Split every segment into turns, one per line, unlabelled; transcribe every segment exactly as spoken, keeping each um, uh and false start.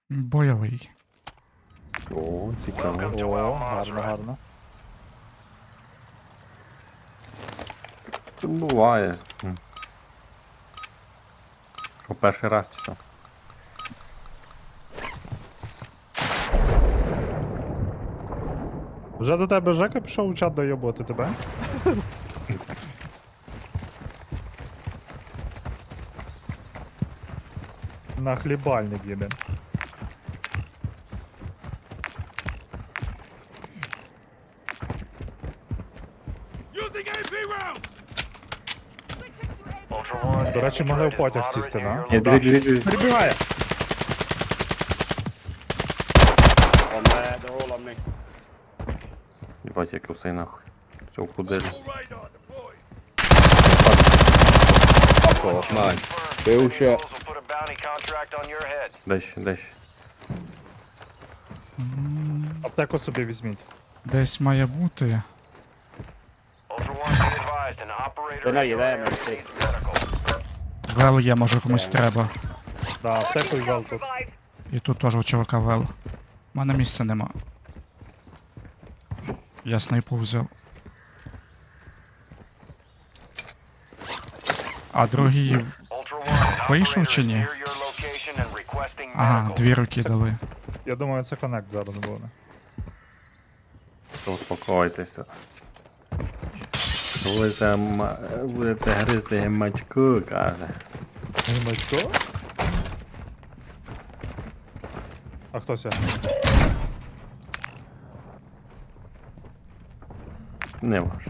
Бойовий.
О, цікаво.
О, гарно, гарно.
Це буває. М. Що, перший раз чи що?
Вже до тебе Жека пішов у чат дойобувати тебе? На хлібальник їде. До речі, могли в потяг сісти, да?
Ні, біжить, біжить, біжить.
Перебігає!
On there, they're all on me.
Єбать, як усе нахуй. Цього куделю.
Bullshit. Will put a bounty contract on your head.
Дещо, дещо.
Аптеку собі візьміть.
Десь має бути.
Ultra One, be advised, an operator
They know you're there,
in your
mate.
area is critical.
Вел є, може комусь треба.
Да, аптеку і вел тут.
І тут теж у чувака вел. У мене місця нема. Я снайпу взяв. А другий.
Ultra One, an
Вийшов
operator
чи
is
ні?
near your location and requesting
Ага,
medical.
дві руки дали.
Я думаю, це коннект зараз буде.
То успокойтеся. Будете, ма... будете гризти гемачку, каже.
Гімачко? А хто ся?
Не важно.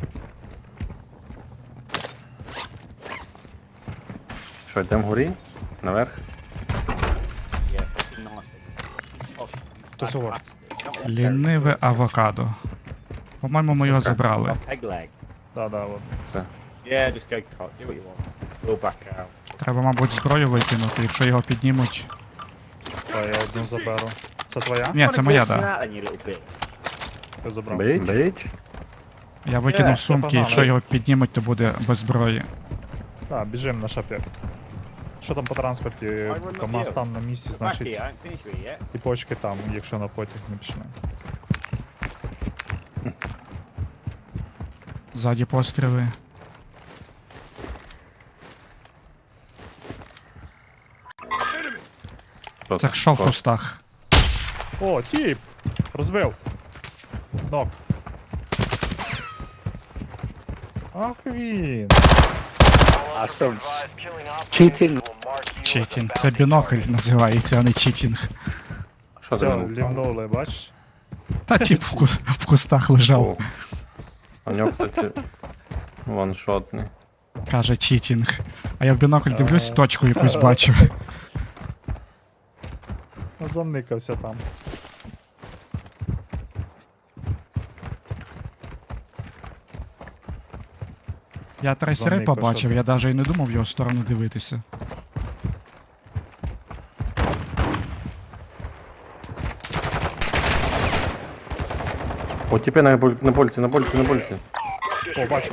Що, йдемо вгорі? Наверх?
Yeah, fucking nice. Oh,
Хто сього?
Ліниве авокадо. По-моєму, ми його забрали.
Peg leg.
Да, да, от.
Yeah, just go cut. Do what you want. We'll back out.
Треба, мабуть, зброю викинути, якщо його піднімуть.
Та я одну заберу. Це твоя?
Ні, це моя,
Come
да.
out then, you little bitch.
Я забрав.
Бич? Бич?
Я викинув
Е,
сумки,
це
якщо
погано.
його піднімуть, то буде без зброї.
Так, біжим на шап'як. Що там по транспорті? КамАЗ там на місці,
Back
значить
here, I ain't finished with it yet.
і почки там, якщо на потяг не пішли.
Ззаді постріли.
Хто
Це
там?
що в
Хто?
кустах?
О, тіп! Розбив! Нок. Ах він!
А що?
Advised, killing operators
Cheating.
will mark you as a
Читінг.
bounty
Це бінокль
target.
називається, а не читінг.
Що ти
Все,
мене впав?
лівнули, бачиш?
Та тип в, ку- в кустах лежав.
О. У нього, кстати, ваншотний.
Каже читінг. А я в бінокль дивлюсь,
Ага.
точку якусь бачу.
Заникався там.
Я трейсери
Заникався
побачив,
там.
я навіть і не думав в його сторону дивитися.
О, тіпи на, боль- на больці, на больці, на больці.
О, бачу.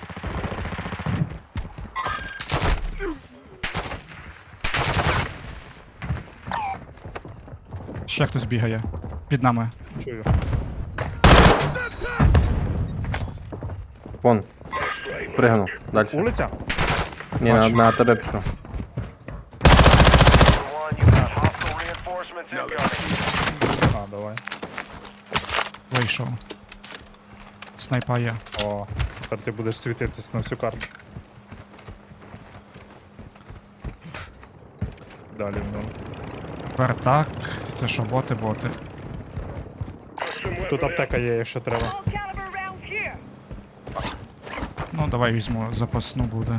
Ще хтось бігає. Під нами.
Чую.
Вон. Пригнув. Дальше.
Вулиця?
Ні, на,
Бачу.
на тебе пішов.
Ultra One, you've got hostile reinforcements incoming.
А, давай.
Вийшов. Снайпа є.
О, тепер ти будеш світитись на всю карту. Далі ну.
Вертак. Це що, боти, боти.
Тут аптека є, якщо треба.
All caliber rounds here.
Ну, давай візьму, запасну буде.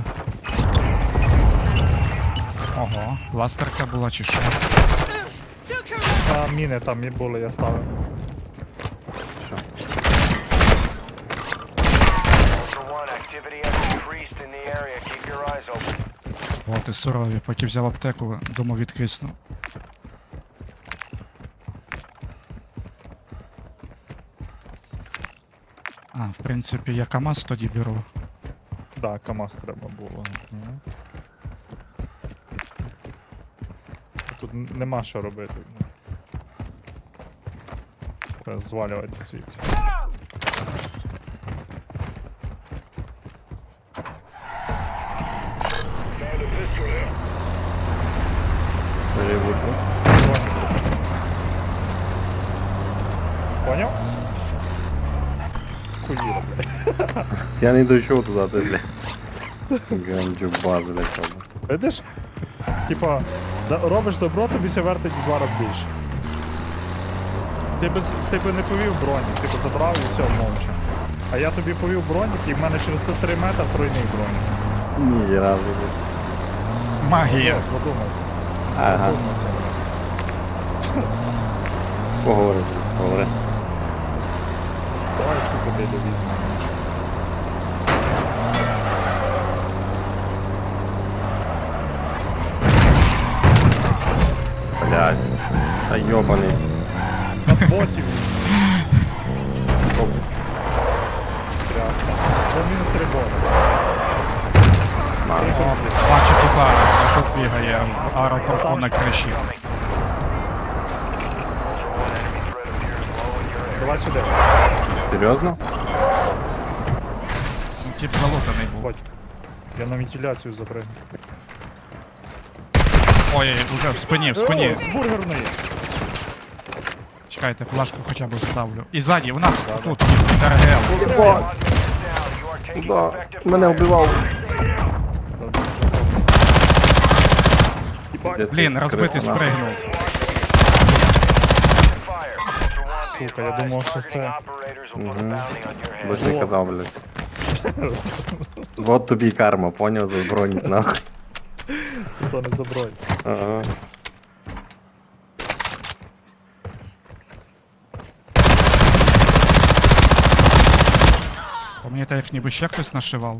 Ого, пластерка була чи що?
А, міни там і були, я ставив.
Що?
Ultra One, activity has increased in the area. Keep your eyes open.
Боти сурові, поки взяв аптеку, думав відкисну. А, в принципі, я КамАЗ тоді беру.
Да, КамАЗ треба було. Мгм. Тут н- нема що робити. Треба звалювати звідси.
Переводу.
Поняв? Хуїра, блядь.
Я не дійшов туди, ти, блядь. Ганджу базу, блядь, треба.
Видиш? Типа, да- робиш добро, тобі ся вертить в два рази більше. Ти, без, ти би не повів бронік, ти би забрав і все мовча. А я тобі повів бронік, і в мене через три метри тройний бронік.
Ні, разу, блядь.
Магія.
От, задумайся.
Ага,
Задумайся.
поговори, поговори.
Давай, сука, десь візьмемо.
Блядь. Та йобаний.
На ботів.
Оп.
Тряска. Це мінус три боти.
На.
Бачу тіпа, а тут бігає в аеропорту на криші.
Давай сюди.
Серйозно?
Ну, тип залутаний був.
Боть. Я на вентиляцію запрыгну.
Ой, уже в спині, в спині.
О, з бургерної.
Чекайте, флажку хоча б вставлю. І ззаді, у нас
Да,
тут, ТРГЛ.
Єба. Да. Мене вбивав. Пиздець,
Блін, розбитий
крису, нахуй.
спригнув.
Сука, я думав, що це...
Мгм. Бо ж не
Во.
казав, блядь. Вот тобі й карма, поняв, за бронь, нахуй.
То не заброй.
Ага.
По мені так як ніби ще хтось нашивав.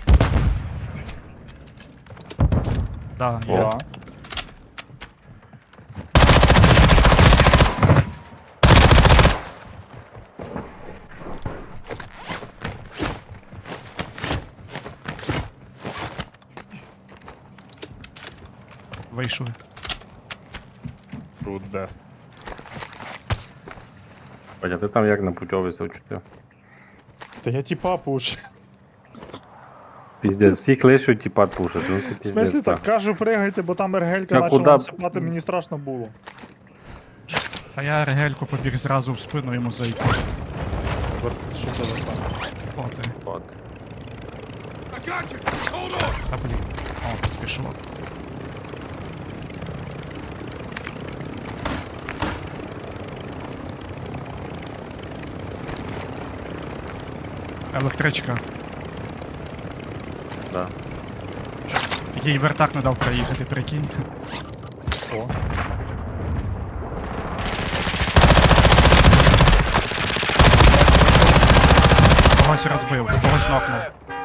Да,
О.
я.
Да.
Вийшли.
Тут дес.
Бля, ти там як на путьовий чути?
Та я типа пуш.
Піздець, всі клишуть, типа пушать. Ну, це
В
піздець,
смислі так кажу, пригайте, бо там ергелька
Та
почала
куда?
насипати, мені страшно було.
Та я регельку побіг зразу в спину йому зайти.
Вер- Що це за стан?
О, ти.
От.
Та блін. О, пішло. Електричка.
Да.
Їй вертак не дав проїхати, прикинь.
О.
Когось розбив, когось нокнув.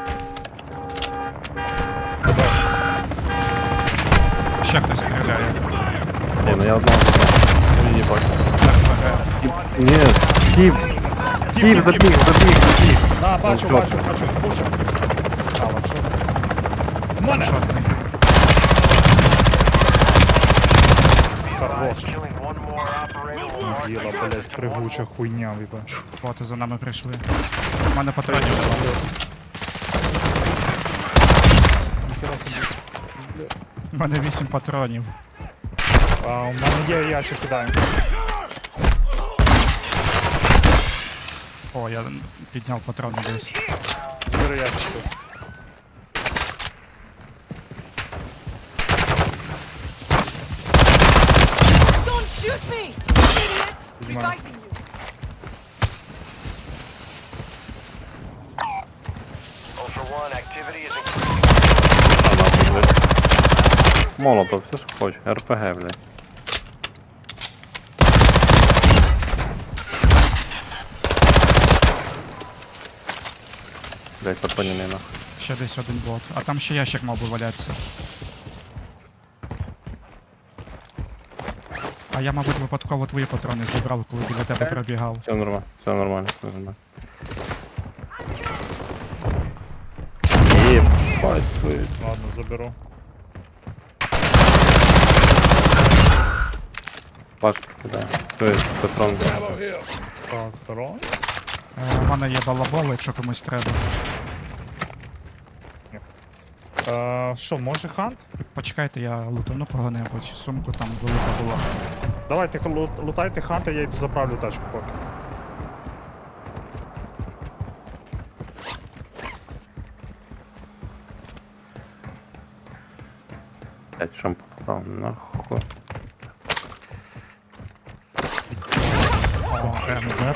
Ще хтось стріляє.
Ні, ну я одного забрав. Їбать.
РПГ.
Ні, тіп. Тіп, забіг, забіг, забіг.
На, бачу,
що?
бачу, бачу, пуша. А, лапшу. Мене!
Шотний.
Хорош.
Killing one more operator will mark
Діла,
you as
блядь, пригуча хуйня, віба.
Боти за нами прийшли. У мене патронів нема.
Ніхера собі.
У мене вісім патронів.
А, у мене є ящик, кидаю.
О, я підняв патрони десь.
Збери ящик тут.
Don't shoot me! Idiot!
Come on.
Reviving you!
Ultra One, activity is increasing.
А, нахуй, блядь. Молотов, все що хочеш. РПГ, блядь. Блядь, патронів не нахуй.
Ще десь один бот. А там ще ящик мав би валятися. А я, мабуть, випадково твої патрони забрав, коли біля тебе пробігав.
Все нормально, все нормально, все нормально. Єбать, твою.
Ладно, заберу.
Пашка кидає. Тобто, патрон.
Так, трон.
Е, У мене є балабол, якщо комусь треба.
Е, Що, може хант?
Почекайте, я лутану кого-небудь. Сумку там велика була.
Давайте лу- лутайте ханта, я йду заправлю тачку поки.
Блять, що попав, нахуй.
О, МГ.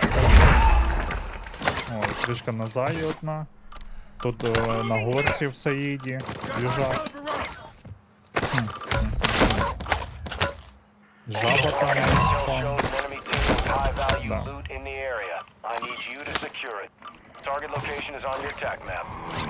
О, трішка на заї одна. Тут е, на горці в Саїді. Їжак. Хм, хм. Жаба там
Intel
спам.
shows enemy team with high value
No.
loot in the area. I need you to secure it. Target location is on your tac map.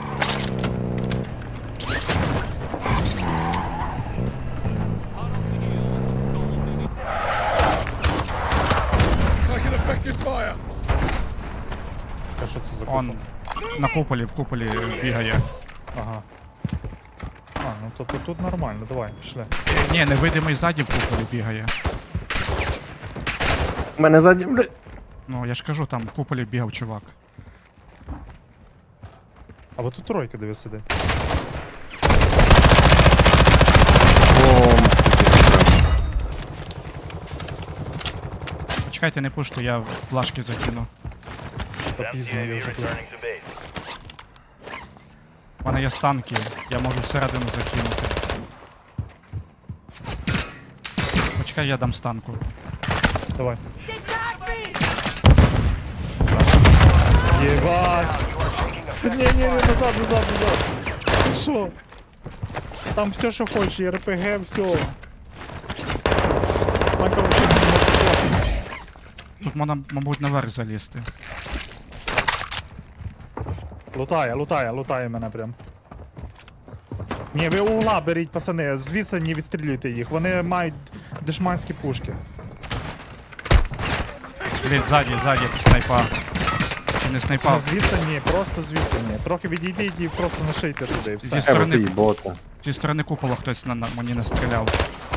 А що це за
Он
купол?
на куполі, в куполі бігає.
Ага. А, ну то, то тут нормально, давай, пішли.
Е, Ні, невидимий ззаді в куполі бігає.
У мене ззаді, блядь.
Ну, я ж кажу, там в куполі бігав чувак.
А от тут тройка диви сидить.
О,
Почекайте, не пушту, я в плашки закину.
Та пізно я вже тут.
У мене є станки, я можу всередину закинути. Почекай, я дам станку.
Давай.
They tagged me!
Єбать! Ні, ні, ні, назад, назад, назад. Що? Там все, що хочеш, і РПГ, все. Станка вообще не можна.
Тут можна, мабуть, наверх залізти.
Лутає, лутає, лутає мене прям. Ні, ви угла беріть, пацани, з відстані відстрілюйте їх. Вони мають дешманські пушки.
Блін, ззаді, ззаді, снайпа. Чи не
Це
снайпа?
не з відстані, просто з відстані. Трохи відійдіть і просто нашийте туди, і
Зі
все.
Е,
сторони,
ти бота.
зі сторони купола хтось на, на мені настріляв.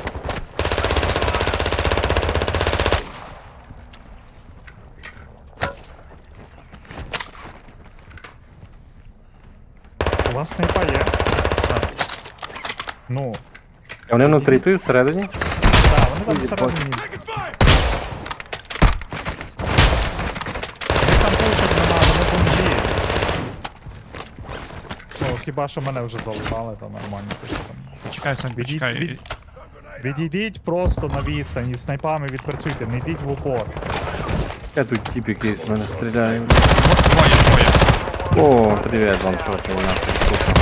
У вас снайпа є?
Так.
Ну,
А вони внутрі тут, всередині?
так, вони там всередині. Вони там пушать нема, вони бомбі. Ну, хіба що мене вже залутали, то нормально. пишуть там.
Почекай, Сань,
Відійдь,
почекай.
від- Відійдіть просто на відстань, і снайпами відпрацюйте, не йдіть в упор.
Я тут тип якийсь в мене стріляє.
Двоє, двоє.
О, привіт, вам шорт, нахуй. сука.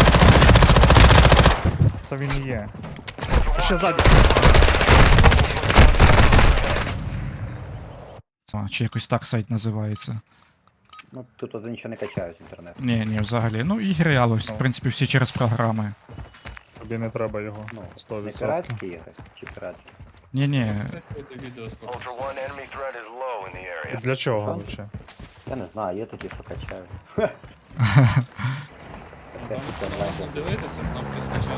Це він і є. Ще ззаді.
А, чи якось так сайт називається.
Ну, тут от нічого не качаю з інтернету.
Ні, ні, взагалі. Ну, ігри, але, в принципі, всі через програми.
Тобі не треба його.
Ну,
сто
не
відсотків.
піратські якось, чи піратські?
Ні, ні.
Ultra One, enemy threat is low in the area.
Для чого взагалі?
Я не знаю, є тоді, що качаю. Таке тут онлайн.
Дивитися, кнопки скачати.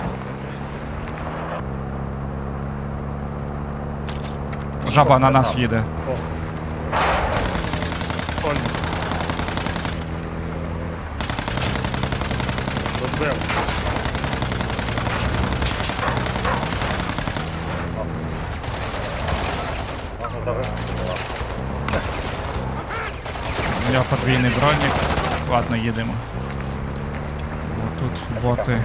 Жаба на нас їде.
Сольник. Розбив.
У нього подвійний бронік. Ладно, їдемо. О, тут боти.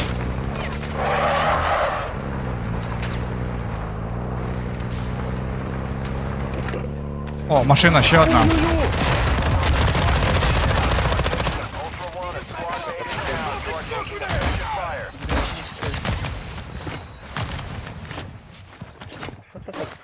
О, машина, ще одна.
Ultra One, a squad mate is down. You are taking effective fire.
Що це так?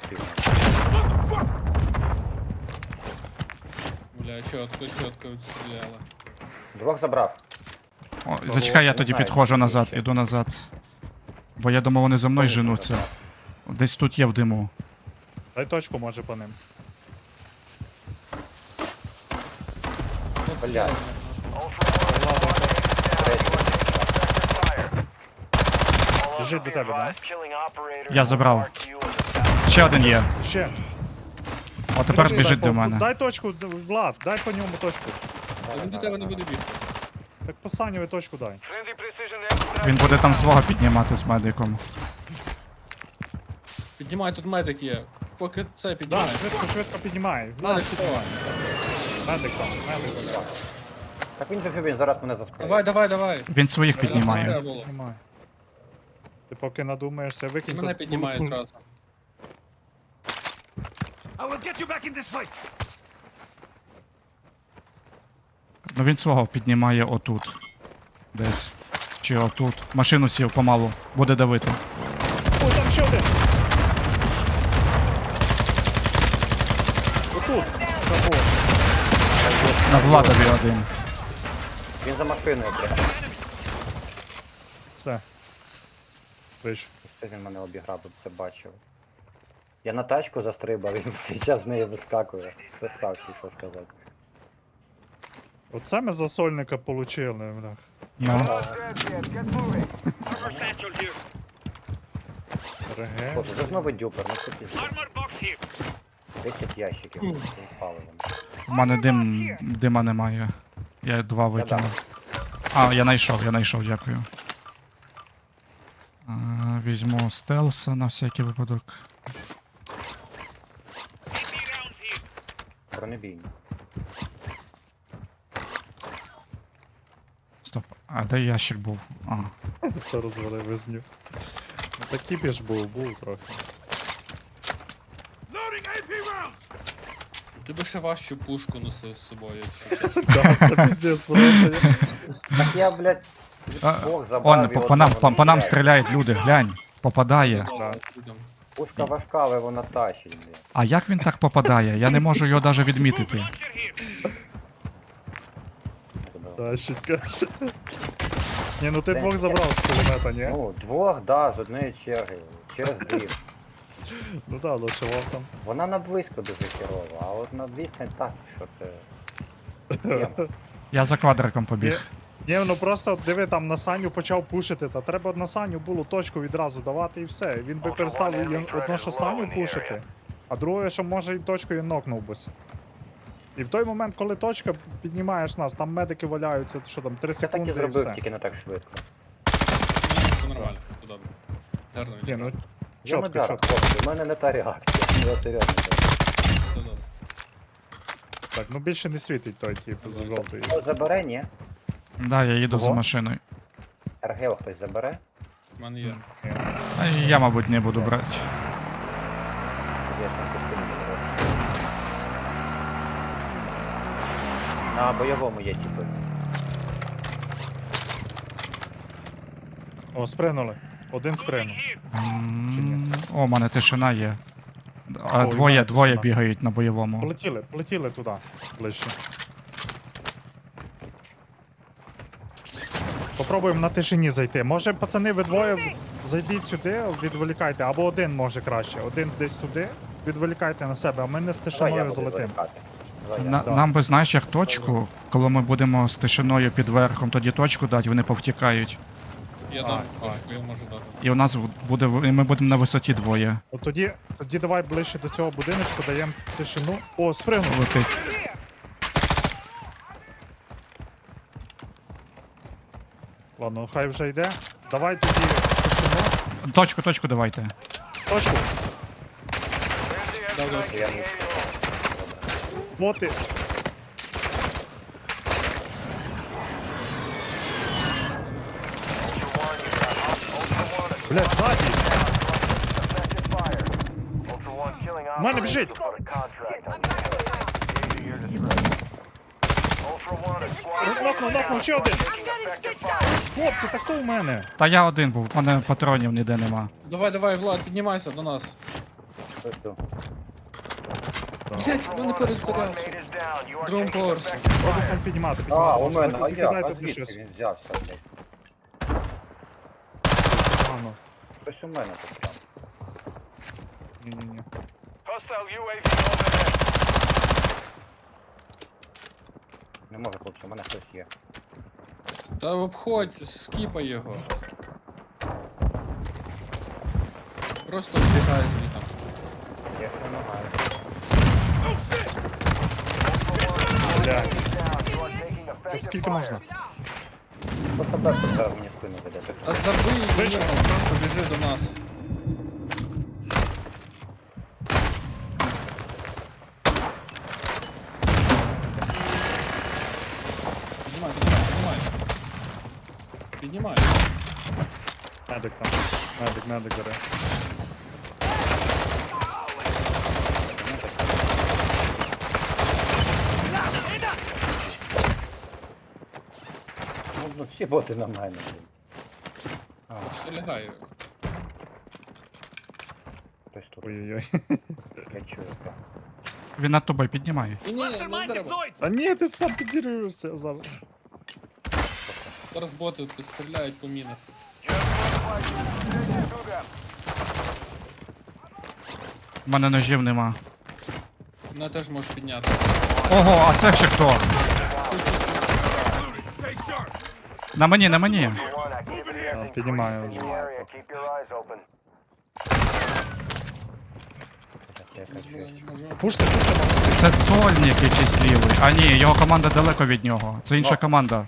Бля, чітко, чітко відстріляли.
Двох забрав.
О, зачекай, я
не
тоді
знаю,
підходжу
чи
назад,
ще.
іду назад. Бо я думав, вони за мною
Кого
женуться.
забрав?
Десь тут є в диму.
Дай точку, може, по ним.
Бля.
Ultra One, a squad mate is down. You are taking effective fire. All
Біжить до
others
тебе,
be
да?
advised, killing operators
Я
will
забрав.
mark you as a
Ще один є.
Ще.
О, тепер
Подожди,
біжить
дай
до
по-
мене.
Дай точку, д- Влад, дай по ньому точку.
Та він до тебе не буде бігти.
Так по Санєві точку дай.
Friendly precision airstrike.
Він буде там свого піднімати з медиком.
Піднімай, тут медик є. Поки це
Да,
піднімай.
швидко, швидко піднімай.
Медик
Нас
піднімай.
медик там, медик вибрався.
Так він же він зараз мене заскриє.
Давай, давай, давай.
Він своїх піднімає.
Треба було.
Піднімай. Ти поки надумаєшся,
І
викинь
мене
тут
піднімає
куль-
одразу.
Ну він свого піднімає отут. Десь. Чи отут. Машину сів помалу. Буде давити.
О, там ще один! Отут! Забор.
На Владові один.
Він за машиною прямо.
Все. Вийшов.
Це він мене обіграв, ви б це бачив. Я на тачку застрибав, він зараз з неї вискакує. Красавчик, що сказати.
Оце ми за сольника получили, блях.
Ну.
Get moving.
РГ.
Хлопці, це знову дюпер, ну це пізно. десять ящиків з паливом.
У мене дим. Дима немає. Я два викинув. А, я знайшов, я знайшов, дякую. А, візьму стелса на всякий випадок.
Бронебійні.
Стоп. А де ящик був? А.
Хто розвалив визню. Ну так кіпіш був, був трохи.
Ти би ще важчу пушку носив з собою, якщо чесно.
Да, це піздець просто. я-
Так я, блядь,
А,
Бог забрав
Он,
і
по, по
одного
нам,
не
по, по нам
стріляє.
стріляють люди, глянь. Попадає.
Да.
Людям.
Пушка важка, але вона тащить, блядь.
А як він так попадає? Я не можу його навіть відмітити.
Да, щит каже. Ні, ну ти двох забрав з кулемета, ні?
Ну, двох, да, з однієї черги. Через дві.
Ну да, лишував там.
Вона на близько дуже херова, а от на відстань так, що це.
Я за квадриком побіг.
Ні, ну просто диви, там на Саню почав пушити, та треба на Саню було точку відразу давати і все. Він би перестав і одно, що Саню пушити, а друге, що може і точкою нокнув бись. І в той момент, коли точка піднімаєш нас, там медики валяються, що там, три
Я так і
секунди і
зробив,
все.
тільки не так швидко.
Ні, все нормально, все добре. Гарно
Ні, ну
Я не
чітко,
дару,
чітко.
хлопці, у мене не та реакція. Я серйозно.
все добре.
Так, ну більше не світить той тип з жовтої.
Хтось забере, ні?
Да, я їду за
Ого.
машиною.
РГО хтось забере?
У мене є.
А я, мабуть, не буду брати.
Я ж там костюм заберу. На бойовому є типи.
О, спринули. Один спринув.
М, О, у мене тишина є. А
О, і в
двоє,
мене
двоє
тишина.
бігають на бойовому.
Полетіли, полетіли туди, ближче. Попробуємо на тишині зайти. Може, пацани, ви двоє зайдіть сюди, відволікайте, або один може краще. Один десь туди, відволікайте на себе, а ми не з
Давай я
тишиною
буду
залетим.
відволікати. Давай я.
На,
да.
Нам би, знаєш, як точку, коли ми будемо з тишиною під верхом, тоді точку дати, вони повтікають.
Я
А,
дам
а.
точку, я можу дати.
І у нас буде, і ми будемо на висоті двоє.
От тоді, тоді давай ближче до цього будиночку, даємо тишину. О, спригнув.
Летить.
Ладно, хай вже йде. Давай тоді тишину.
Точку, точку давайте.
Точку.
Friendly
Да, да.
airstrike
Я
in
не
the AO.
Боти.
Ultra One, you got hot- Ultra One, a
Блять, ззаді.
effective fire. Ultra One, killing
мене
operators
біжить.
will put a contract on you. To your discretion. Ultra One, a squad.
Нокнув, нокнув, ще один.
I'm getting stitched out.
Хлопці, так то у мене.
Та я один був, в мене патронів ніде нема.
Давай, давай, Влад, піднімайся до нас.
Ось тут.
Блять, ну не
Squad
перезарявся.
mate is down. You are
Другому
taking
поверсі.
effective
Пробуй
fire.
сам піднімати,
А,
піднімати.
у мене, а
Закидай
як? А
туди
звідки
щось.
він взявся, блядь?
Погано.
Хтось у мене тут прям.
Ні-ні-ні.
Hostile ю ей ві overhead.
Не може, хлопці, у мене хтось є.
Та обходь, скіпай його. Просто вбігай звідти.
Та скільки можна?
Просто так треба мені спину веде.
Та забий
Вийшов.
його, просто біжи до нас. Піднімай, піднімай, піднімай. Піднімай.
Медик там. Медик, медик бере.
Ну, ну всі боти на мене, блін.
Що лягає?
Хтось тут.
Ой-ой-ой.
Я чую. так.
Він над тобою піднімає.
Ні, ні, не треба.
А ні, ти сам підірюєшся зараз.
Зараз боти тут стріляють по мінах.
У мене ножів нема.
Мене теж можеш підняти.
Ого, а це ще хто? На мені, на мені.
А, піднімаю вже.
Так, я
Дозволу
качуюсь.
не можу.
Пуште, пуште.
Це сольник якийсь лівий. А ні, його команда далеко від нього. Це інша команда.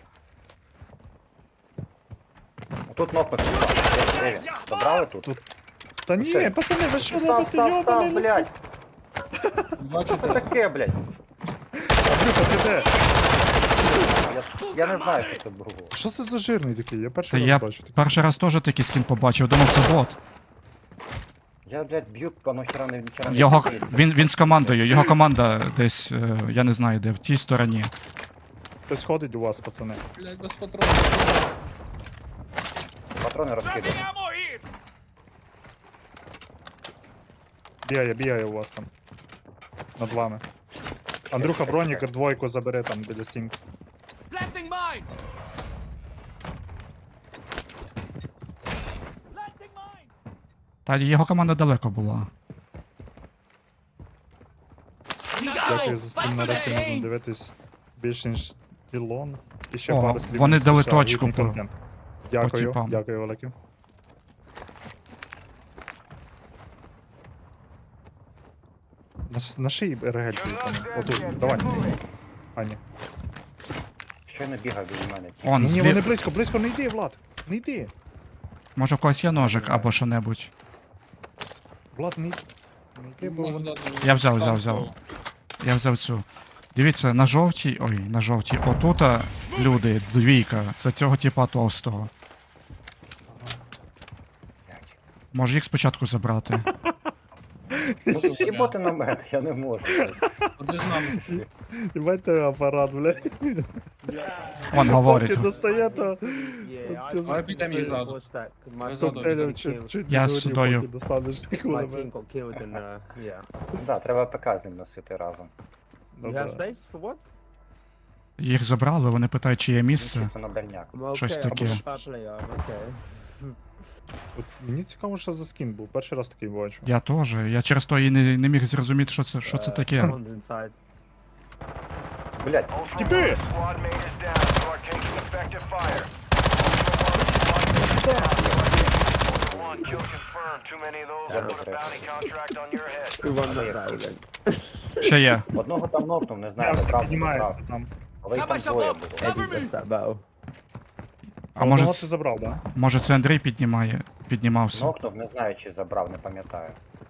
Тут кнопка. Де він? Забрали тут?
Та ні,
Все.
пацани, ви що
Став,
робите?
став,
Йобаний
став,
лист.
блядь.
Бачу,
Що це таке, блядь?
Андрюха, ти де?
Я, я не знаю, що це було.
Що це за жирний такий? Я
Та
перший раз
я
бачу такий.
перший раз теж такий скін побачив, думав це бот.
Я, блядь, б'ю, воно хера не вчора не
Його,
вдається.
він, він з командою, його команда десь, е, я не знаю де, в тій стороні.
Хтось ходить у вас, пацани.
блядь, без патронів.
Патрони розкидаю.
Бігає, бігає у вас там. Над вами. Андрюха, бронік двойку забере там біля стінки.
Planting mine!
Та його команда далеко була.
Дякую за стрім, нарешті можна дивитись більше ніж Ілон. І ще
О,
пару стрімів
вони
з
дали
США,
точку
гідний
по-
контент. Дякую,
типам.
дякую, велике. На, ш- на шиї регельки. Отут, давай. А, ні.
Що не бігав біля мене?
Он,
Ні, ні,
злі...
вони близько, близько, не йди, Влад. Не йди.
Може в когось є ножик або що-небудь.
Влад, не йди. Не йди, бо
Можу
вони...
дати мені
Я взяв, взяв,
танк,
взяв.
бо
Я взяв цю. Дивіться, на жовтій. Ой, на жовтій. Отута люди, двійка. Це цього типа товстого. Може їх спочатку забрати.
Ну, всі боти на мене, я не можу.
Ходи з нами.
Єбайте апарат, бля.
Он говорить.
Поки достає, то... Ти з-
Давай підемо їх ззаду. Ви ззаду
Коктейлів
підемо.
чуть, чуть
Я
не
з
згорів,
судою.
поки достанеш кулемет.
Да, треба ПК з ним носити разом.
Ну, да.
Їх забрали, вони питають, чи є
Він
місце.
чисто на дальняк.
Щось таке.
От мені цікаво, що за скін був. Перший раз такий бачу.
Я теж. Я через то і не, не міг зрозуміти, що це, що це таке.
Блядь,
Тіпи!
Squad mate is down. You are taking effective fire. One kill confirmed. Too many of those will put a bounty contract on your head.
Ще є.
одного там нокнув, не
Я
знаю,
все
правда,
піднімаю
правда.
там.
Але їх там двоє було.
А може,
Одного ти
ц-
забрав, да?
може це Андрій піднімає, піднімався.
Нокнув, не знаю, чи забрав, не пам'ятаю.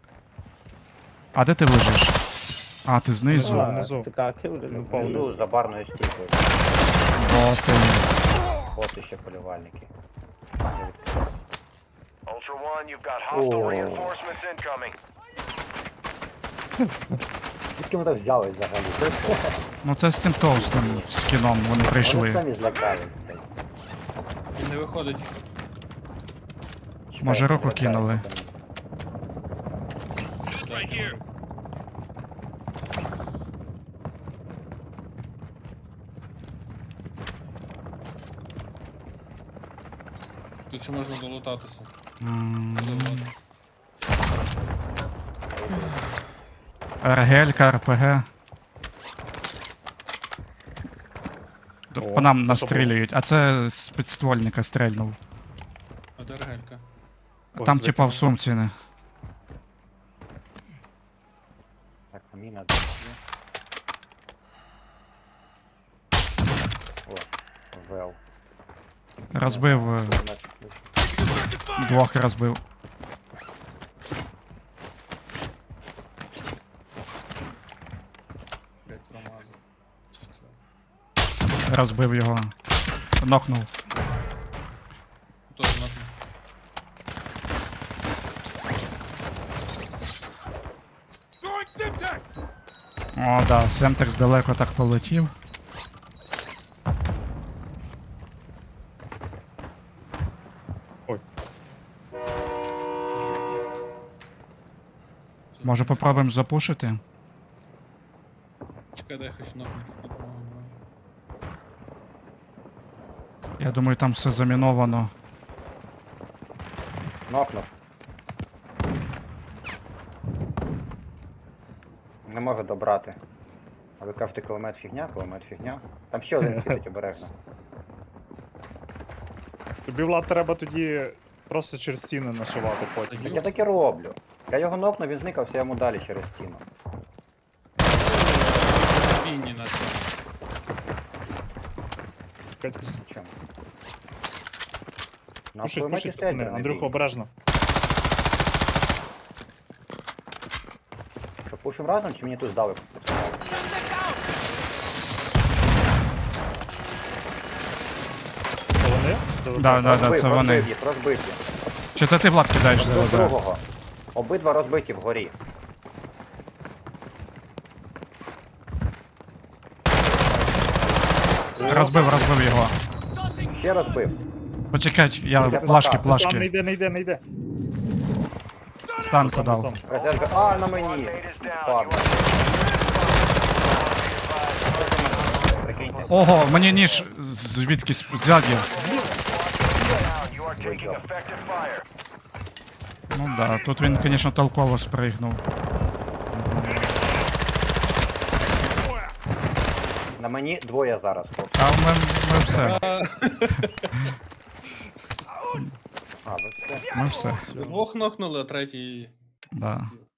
А де ти лежиш? А, ти знизу.
Внизу, внизу. Ну, впав вниз.
Внизу за барною стійкою.
Боти.
Боти ще полювальники.
Ultra One, you've got hostile
Oh.
reinforcements incoming.
Звідки вони так взялись взагалі?
Ну це з тим товстим скіном вони
Вони
прийшли.
самі злякались. блядь.
Він не виходить.
Чекай,
Може, руку
злякались
кинули.
вони.
Так. Тут ще можна долутатися.
М,
Заводи.
Ергелька, РПГ. Д-
О,
По нам
це
настрілюють, а це з підствольника стрельнув.
А де регелька?
Ось,
Там типа в
викинув.
сумці не.
Так, міна. О, вел.
Розбив, е, двох розбив.
Блять, промазав.
Розбив його. Нокнув.
Тоже нахуй.
Throwing Simtex!
О, да, Семтекс далеко так полетів.
Ой.
Може попробуємо запушити?
Чекай, дай я хочу нахуй.
Я думаю, там все заміновано.
Нокнув. Не можу добрати. А ви кажете, кулемет фігня, кулемет фігня. Там ще один світить обережно.
Тобі, Влад, треба тоді просто через стіни нашивати потім.
Я так і роблю. Я його нокнув, він зникався, я йому далі через стіну.
Фіні на цьому.
Чому? На
Пушить,
кулеметі
пушить,
стоять,
пацани.
не
Андрюха,
бій.
обережно.
Що, пушим разом чи мені тут здали?
Це вони? Це ви-
Да, да, да,
Розбив,
це вони.
розбив їх, розбив їх.
Чи це ти, Влад, кидаєш за
Розбив
ВБ?
другого. Обидва розбиті вгорі.
Розбив, розбив його.
Ще розбив.
Почекай, я
Я
плашки,
сам,
Сам не
плашки.
йде, не йде, не йде.
Станку
Сам,
дав.
сам.
Резерви. А, на
Squad
мені.
mate is down.
Падло.
You are
Прикиньте.
Ого, мені ніж звідкись ззаді.
down. You are taking effective fire.
Ну да, тут він, звісно, толково спригнув.
На мені двоє зараз. хлопці.
А ми, ми все,
А, ви все.
ми все.
Двох нокнули, а третій.
Да.